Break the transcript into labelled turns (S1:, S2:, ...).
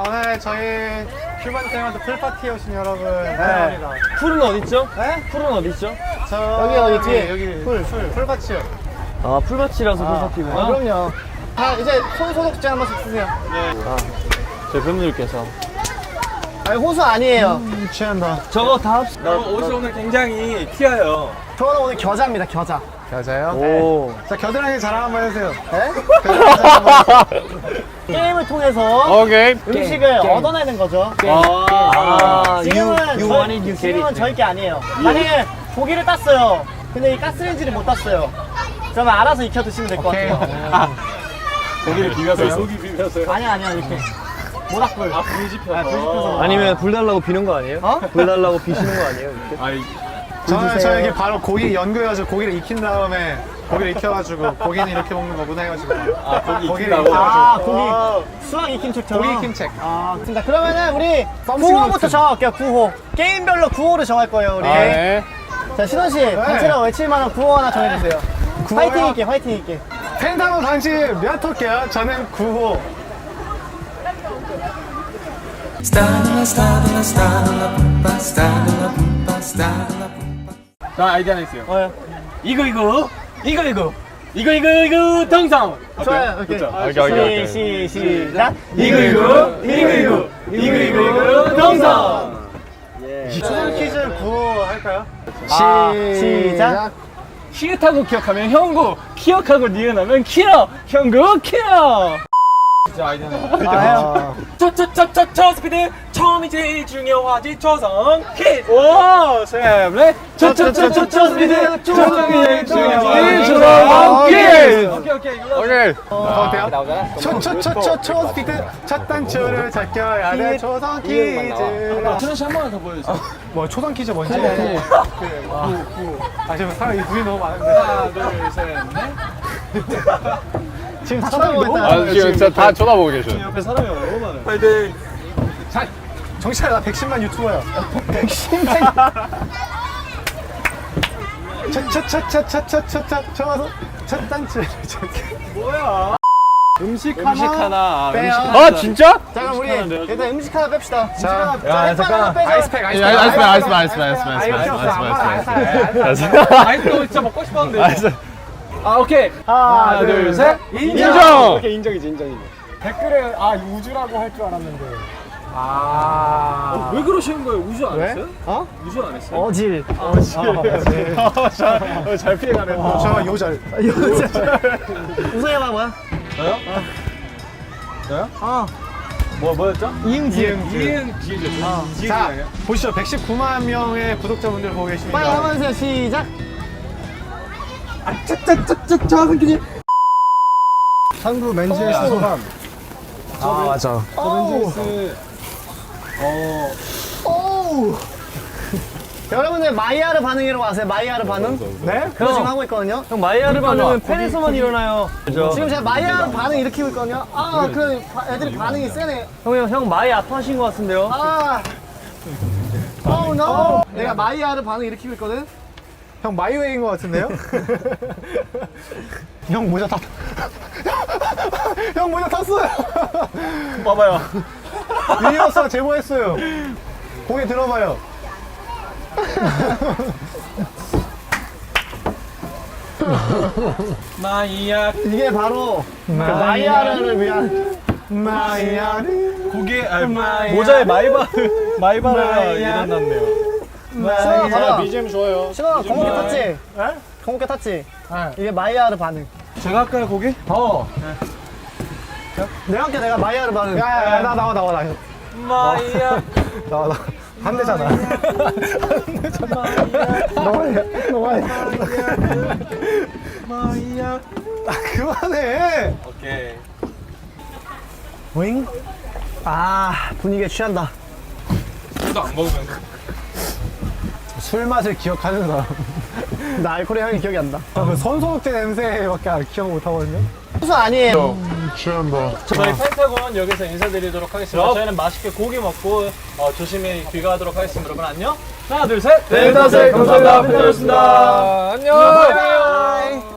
S1: 오늘 저희 휴먼 테마드 풀파티에 오신 여러분 환영합니다.
S2: 풀은 어딨죠?
S1: 네?
S2: 풀은 어딨죠?
S1: 여기 뒤에 여기 풀밭이요.
S2: 아, 풀밭이라서 풀파티구나.
S1: 그럼요. 자, 이제 손 소독제 한 번씩 쓰세요.
S2: 네. 저희 팬분들께서.
S1: 아니, 호수 아니에요. 취한다.
S2: 저거 다 합시다.
S3: 옷이 오늘 굉장히 튀어요.
S1: 저는 오늘 겨자입니다, 겨자. 겨자요?
S2: 오.
S1: 자, 겨드랑이 자랑 한번 해주세요. 네? 게임을 통해서 음식을 얻어내는 거죠. 지금은 저희 게 아니에요. 만약에 고기를 땄어요. 근데 이 가스레인지를 못 땄어요. 그러면 알아서 익혀 드시면 될 것 같아요.
S3: 고기를 비벼서요? 속이 비벼서요?
S1: 아니야, 불 모닥불.
S3: 아, 불 지펴서.
S2: 아니면 불 달라고 비는 거 아니에요?
S1: 어?
S2: 불 달라고 비시는 거 아니에요? 이렇게?
S3: 아이,
S1: 저에게 바로 고기 연구해가지고 고기를 익힌 다음에 고기를 익혀가지고 고기는 이렇게 먹는 거구나 해가지고
S3: 고기를
S1: 익혀가지고
S3: 익힌다고?
S1: 수학 익힌 책처럼
S3: 고기 익힌 책.
S1: 좋습니다. 그러면은 우리 9호부터 정할게요. 9호 게임별로 9호를 정할 거예요. 우리 자, 신원씨 단체로 외칠 만한 9호 하나 정해주세요. 화이팅 있게 펜타곤 단체 몇 호게요? 저는 9호.
S3: 자, 아이디어 하나 있어요.
S1: 뭐요?
S3: 이거 동상.
S1: 좋아요. 오케이. 시작.
S3: 이거 동상.
S1: 초성 퀴즈 9호 할까요? 시작.
S3: 시읒하고 기억하면 형구, 기억하고 니은하면 키러, 형구 키러. 진짜 아이디어 하나. 첫 스피드 처음이 제일 중요하지 초성 킷. 오, 셋넷. 첫 스피드 처음이 제일 중요하지 초성 킷. 오케이.
S1: 어때요? 초 스피드 첫 단추를 잡혀야 돼. 초성 퀴즈.
S3: 천원 씨한 번만 더 보여주세요.
S1: 뭐 초성 퀴즈 뭔지? 지금 사람이 눈이 너무 많은데.
S3: 하나, 둘, 셋, 넷.
S1: 지금 쳐다보고 있다.
S4: 아, 지금 진짜 다 쳐다보고 계셔.
S3: 옆에 사람이 너무 많아요. 파이팅.
S1: 자, 정신아, 나 110만 유튜버야. 110만. 첫 단추를 잡혀.
S3: 뭐야?
S1: 음식
S3: 하나.
S1: 빼요.
S4: 아, 진짜?
S1: 자, 그럼 우리 일단 음식 하나 뺍시다.
S3: 자,
S1: 잠깐. 아이스팩.
S4: 아이스팩.
S3: 아이스크림 진짜 먹고 싶었는데. 아, 오케이.
S1: 하나, 둘, 셋.
S4: 인정!
S1: 오케이, 인정이지. 댓글에 우주라고 할 줄 알았는데.
S3: 왜 그러시는 거예요? 우주 안
S1: 왜?
S3: 했어요?
S1: 어?
S3: 우주 안 했어요?
S1: 어질.
S4: 잘 피해가네.
S1: 저 요절. 우승이 해봐, 뭐야?
S3: 저요? 뭐였죠? 이응
S1: 자, 보시죠. 119만 명의 구독자분들 보고 계십니다. 빨리 한번 해주세요. 시작. 한국 맨즈에스 소감. 맞아.
S3: 맨즈스.
S1: 여러분들 마이야르 반응이라고 아세요? 마이야르 반응? 네? 그거 지금 하고 있거든요.
S2: 형, 마이야르 반응은 팬에서만 일어나요.
S1: 지금 제가 마이야르 반응 일으키고 있거든요. 그래 애들이 반응이 세네.
S2: 형 많이 아파하신 것 같은데요?
S1: no. 내가 마이야르 반응 일으키고 있거든. 형 마이웨이인 것 같은데요? 형 모자 탔. 형 모자 탔어요.
S3: 봐봐요.
S1: 유니버스가 제보했어요. 고개 들어봐요.
S3: 마이야.
S1: 이게 바로 그 마이야르를 위한 마이야르.
S3: 고개, 모자에 마이바르가 일어났네요.
S1: 신원아 봐봐.
S4: BGM 좋아요.
S1: 신원아 공개 탔지? 공개 탔지? 이게 마이야르 반응.
S3: 제가 할까요, 고개?
S1: 내가 할게. 내가 마이야르 반응. 야, 나와.
S3: 마이야.
S1: 나와. 한 대잖아. 한 대잖아. 너무해.
S3: 마이야.
S1: 그만해.
S3: 오케이.
S1: 윙? 분위기에 취한다.
S3: 술도 안 먹으면.
S1: 술 맛을 기억하는 사람. 나 알코올의 향이 기억이 안 나. 손소독제 냄새밖에 기억 못 하거든요. 소스 아니에요.
S3: 저희 펜타곤 여기서 인사드리도록 하겠습니다. 저희는 맛있게 고기 먹고 조심히 귀가하도록 하겠습니다. 여러분 안녕. 하나, 둘, 셋.
S2: 펜타곤 감사합니다. 펜타곤이었습니다.
S3: 안녕.